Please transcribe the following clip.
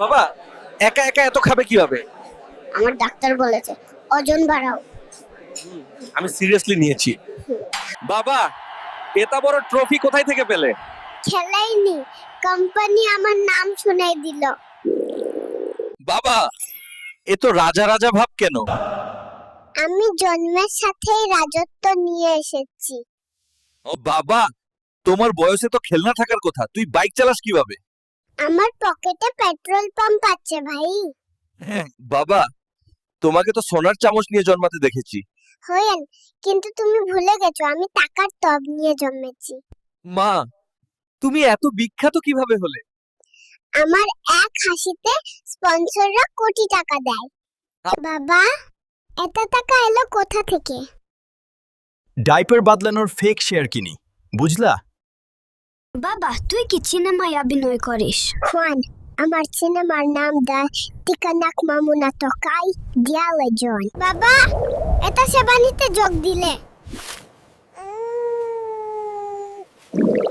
বাবা, একা একা এত খাবে কিভাবে? আমার ডাক্তার বলেছে ওজন বাড়াও। আমি সিরিয়াসলি নিয়েছি। বাবা, এত বড় ট্রফি কোথায় থেকে পেলে? খেলাইনি, কোম্পানি আমার নাম শুনাই দিল। বাবা, এ তো রাজা রাজা ভাব কেন? আমি জন্মের সাথেই রাজত্ব নিয়ে এসেছি। ও বাবা, তোমার বয়সে তো খেলনা থাকার কথা, তুই বাইক চালাস কিভাবে? আমার পকেটে পেট্রোল পাম্প আছে ভাই। বাবা, তোমাকে তো সোনার চামচ নিয়ে জন্মাতে দেখেছি। হয়েন, কিন্তু তুমি ভুলে গেছো আমি টাকার টব নিয়ে জন্মেছি। মা, তুমি এত বিখ্যাত কিভাবে হলে? আমার এক হাসিতে স্পন্সররা কোটি টাকা দেয়। বাবা, এত টাকা এলো কোথা থেকে? ডাইপার বদলানোর ফেক শেয়ার কিনি, বুঝলা? বাবা, তুই কি সিনেমায় অভিনয় করিস? খুয়ান, আমার সিনেমার নাম দা টিকানাক মামুনা তকাই দিয়ালে জন। বাবা, এটা সেবানিতে যোগ দিলে।